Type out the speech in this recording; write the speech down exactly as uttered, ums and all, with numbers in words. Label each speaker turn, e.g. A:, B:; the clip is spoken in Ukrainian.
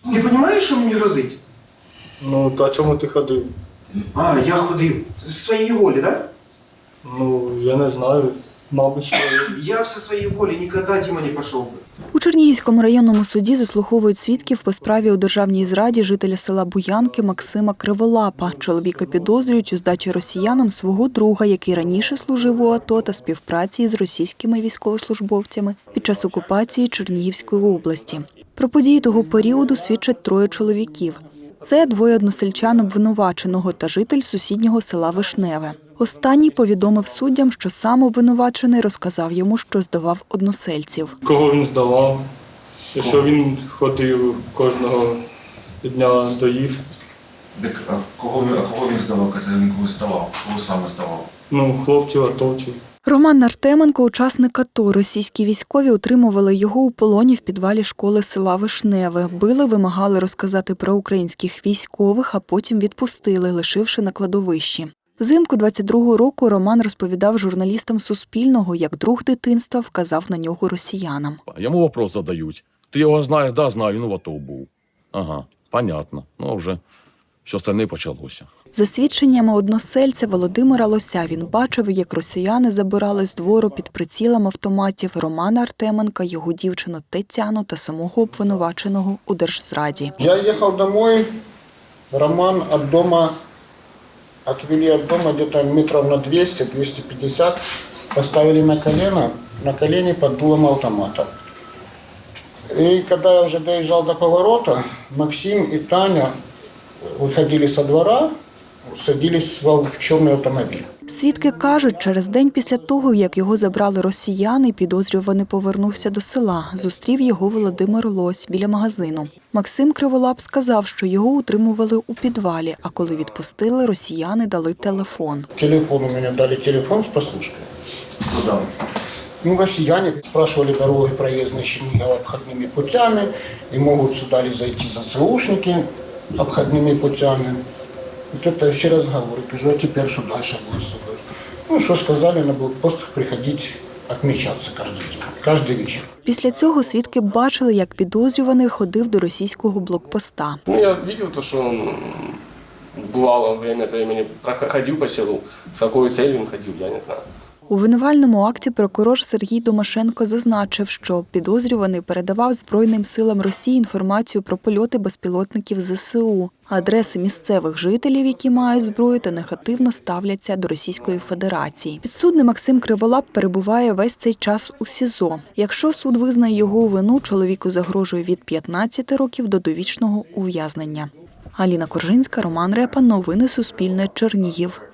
A: Ти розумієш, що мені грозить?
B: Ну, то чому ти ходив?
A: А, я ходив. З своєї волі, так? Да?
B: Ну, я не знаю. Мабуть, що...
A: Я все своєї волі ніколи, Діма, не пішов би.
C: У Чернігівському районному суді заслуховують свідків по справі у державній зраді жителя села Буянки Максима Криволапа. Чоловіка підозрюють у здачі росіянам свого друга, який раніше служив у АТО та співпраці з російськими військовослужбовцями під час окупації Чернігівської області. Про події того періоду свідчать троє чоловіків. Це двоє односельчан обвинуваченого та житель сусіднього села Вишневе. Останній повідомив суддям, що сам обвинувачений розказав йому, що здавав односельців.
B: Кого він здавав, і що він ходив кожного дня до їх.
D: Так, а кого, він- а кого він здавав, коли він кого здавав? Кого саме здавав?
B: Ну, хлопців, атовців.
C: Роман Артеменко – учасник АТО. Російські військові утримували його у полоні в підвалі школи села Вишневе. Били, вимагали розказати про українських військових, а потім відпустили, лишивши на кладовищі. Взимку двадцять другого року Роман розповідав журналістам Суспільного, як друг дитинства вказав на нього росіянам.
E: Йому вопрос задають. Ти його знаєш? Да, знаю, ну в АТО був. Ага, понятно. Ну, вже все остальне почалося.
C: За свідченнями односельця Володимира Лося, він бачив, як росіяни забирали з двору під прицілом автоматів Романа Артеменка, його дівчину Тетяну та самого обвинуваченого у держзраді.
F: Я ехал домой, Роман от дома, отвели от дома где-то метров на двести - двести пятьдесят, поставили на колено, на колени под дулом автомата. И когда я уже доезжал до поворота, Максим и Таня выходили со двора, садились в черный автомобиль.
C: Свідки кажуть, через день після того, як його забрали росіяни, підозрюваний повернувся до села. Зустрів його Володимир Лось біля магазину. Максим Криволап сказав, що його утримували у підвалі, а коли відпустили, росіяни дали телефон.
F: Телефон у меня дали, телефон с послушкой.
D: Куда?
F: Ну, россияне спрашивали дороги проездные Чернигова обходными путями, и могут сюда ли зайти ЗСУшники обходными путями. Вот это все разговоры. Говорю, а теперь что дальше будет с тобой? Ну, что сказали, на блокпост приходить отмечаться каждый день, каждый вечер.
C: Після цього свідки бачили, як підозрюваний ходив до російського блокпоста.
G: Ну, я видел то, что он бывало время от времени ходил по селу. С какой целью он ходил, я не знаю.
C: У винувальному акті прокурор Сергій Домашенко зазначив, що підозрюваний передавав Збройним силам Росії інформацію про польоти безпілотників ЗСУ, адреси місцевих жителів, які мають зброю та негативно ставляться до Російської Федерації. Підсудний Максим Криволап перебуває весь цей час у СІЗО. Якщо суд визнає його вину, чоловіку загрожує від п'ятнадцяти років до довічного ув'язнення. Аліна Коржинська, Роман Репа. Новини Суспільне. Чернігів.